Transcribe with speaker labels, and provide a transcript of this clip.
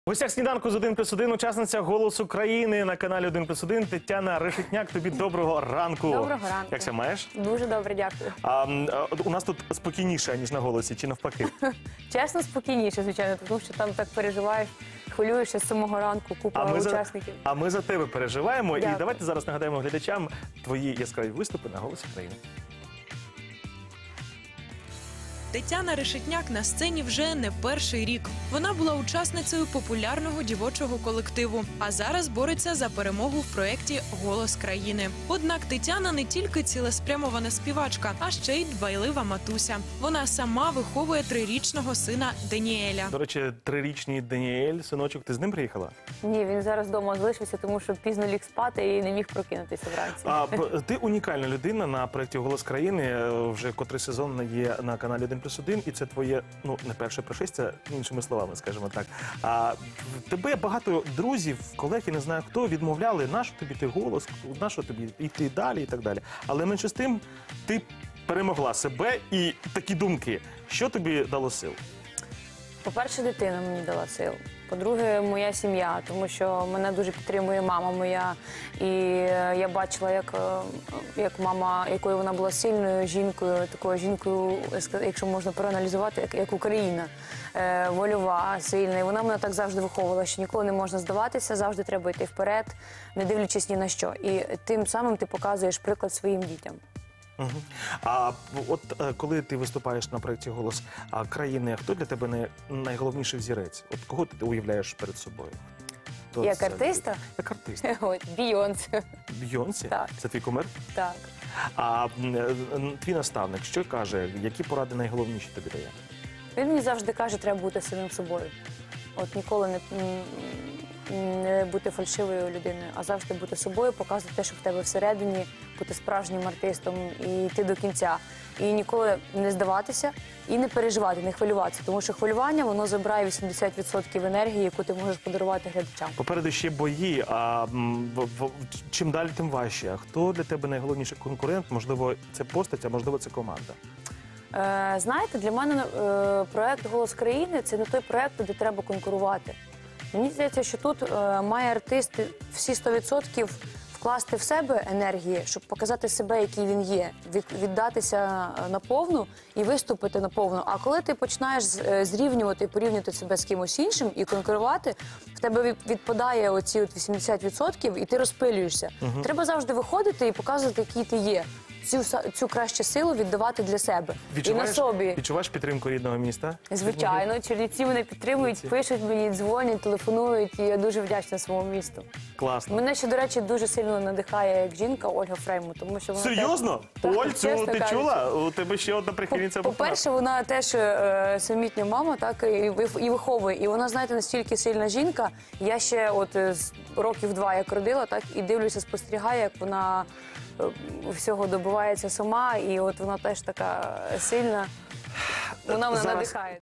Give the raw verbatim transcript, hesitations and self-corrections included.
Speaker 1: В гостях сніданку з один плюс один учасниця «Голосу країни» на каналі один плюс один Тетяна Решетняк. Тобі доброго ранку.
Speaker 2: Доброго ранку.
Speaker 1: Як себе маєш?
Speaker 2: Дуже добре, дякую.
Speaker 1: А, а, у нас тут спокійніше, ніж на «Голосі», чи навпаки?
Speaker 2: Чесно, спокійніше, звичайно, тому що там так переживаєш, хвилюєшся з самого ранку, купа
Speaker 1: А ми, за,
Speaker 2: учасників.
Speaker 1: а ми за тебе переживаємо.
Speaker 2: Дякую.
Speaker 1: І давайте зараз нагадаємо глядачам твої яскраві виступи на «Голосі країни».
Speaker 3: Тетяна Решетняк на сцені вже не перший рік. Вона була учасницею популярного дівочого колективу, а зараз бореться за перемогу в проєкті «Голос країни». Однак Тетяна не тільки цілеспрямована співачка, а ще й дбайлива матуся. Вона сама виховує трирічного сина Даніеля.
Speaker 1: До речі, трирічний Даніель, синочок, ти з ним приїхала?
Speaker 2: Ні, він зараз вдома залишився, тому що пізно ліг спати і не міг прокинутися вранці.
Speaker 1: А, б- ти унікальна людина на проєкті «Голос країни». Вже котрий сезон є на каналі один плюс один, і це твоє, ну, не перше пришестя, іншими словами, скажімо так. А в тебе багато друзів, колег, я не знаю хто, відмовляли, нащо тобі ти голос, нащо тобі йти далі і так далі. Але менше з тим, ти перемогла себе і такі думки. Що тобі дало сил?
Speaker 2: По-перше, дитина мені дала сил. По-друге, моя сім'я, тому що мене дуже підтримує мама моя. І е, я бачила, як, е, як мама, якою вона була сильною жінкою, такою жінкою, якщо можна проаналізувати, як, як Україна. Е, вольова, сильна. І вона мене так завжди виховувала, що ніколи не можна здаватися, завжди треба йти вперед, не дивлячись ні на що. І тим самим ти показуєш приклад своїм дітям.
Speaker 1: Угу. А от е, коли ти виступаєш на проєкті «Голос а, країни», хто для тебе най- найголовніший взірець? От кого ти уявляєш перед собою? Хто
Speaker 2: Як
Speaker 1: це?
Speaker 2: артиста?
Speaker 1: Як артист.
Speaker 2: От, Бійонсе.
Speaker 1: Бійонсі?
Speaker 2: Так.
Speaker 1: Це твій кумир?
Speaker 2: Так.
Speaker 1: А м, е, твій наставник, що каже, які поради найголовніші тобі дає?
Speaker 2: Він мені завжди каже, треба бути самим собою. От ніколи не, м, не бути фальшивою людиною, а завжди бути собою, показувати те, що в тебе всередині, бути справжнім артистом і йти до кінця. І ніколи не здаватися і не переживати, не хвилюватися. Тому що хвилювання, воно забирає вісімдесят відсотків енергії, яку ти можеш подарувати глядачам.
Speaker 1: Попереду ще бої, а м, в- в- чим далі, тим важче. А хто для тебе найголовніший конкурент? Можливо, це постать, а можливо, це команда.
Speaker 2: Е, знаєте, для мене е, проєкт «Голос країни» – це не той проєкт, де треба конкурувати. Мені здається, що тут е, має артист всі сто відсотків вкласти в себе енергії, щоб показати себе, який він є, від, віддатися наповну і виступити наповну. А коли ти починаєш з- е, зрівнювати і порівнювати себе з кимось іншим і конкурувати, в тебе від- відпадає оці от вісімдесят відсотків і ти розпилюєшся. Треба завжди виходити і показувати, який ти є. Цю, са- цю кращу силу віддавати для себе. І на собі.
Speaker 1: відчуваєш підтримку рідного міста?
Speaker 2: Звичайно, чернівці мене підтримують, пишуть мені, дзвонять, телефонують, і я дуже вдячна своєму місту.
Speaker 1: Класно.
Speaker 2: Мене ще, до речі, дуже сильно надихає як жінка Ольга Фреймут, тому що вона
Speaker 1: Серйозно?
Speaker 2: Так,
Speaker 1: Оль,
Speaker 2: так,
Speaker 1: цю
Speaker 2: чесно
Speaker 1: ти
Speaker 2: кажучи.
Speaker 1: чула? У тебе ще одна
Speaker 2: По-
Speaker 1: прихильниця була.
Speaker 2: По-перше, вона теж е, самітня мама, так, і, вих- і виховує. І вона, знаєте, настільки сильна жінка. Я ще от е, з років два як родила, так, і дивлюся, спостерігаю, як вона е, всього добивається сама, і от вона теж така сильна. Вона мене
Speaker 1: Зараз-
Speaker 2: надихає.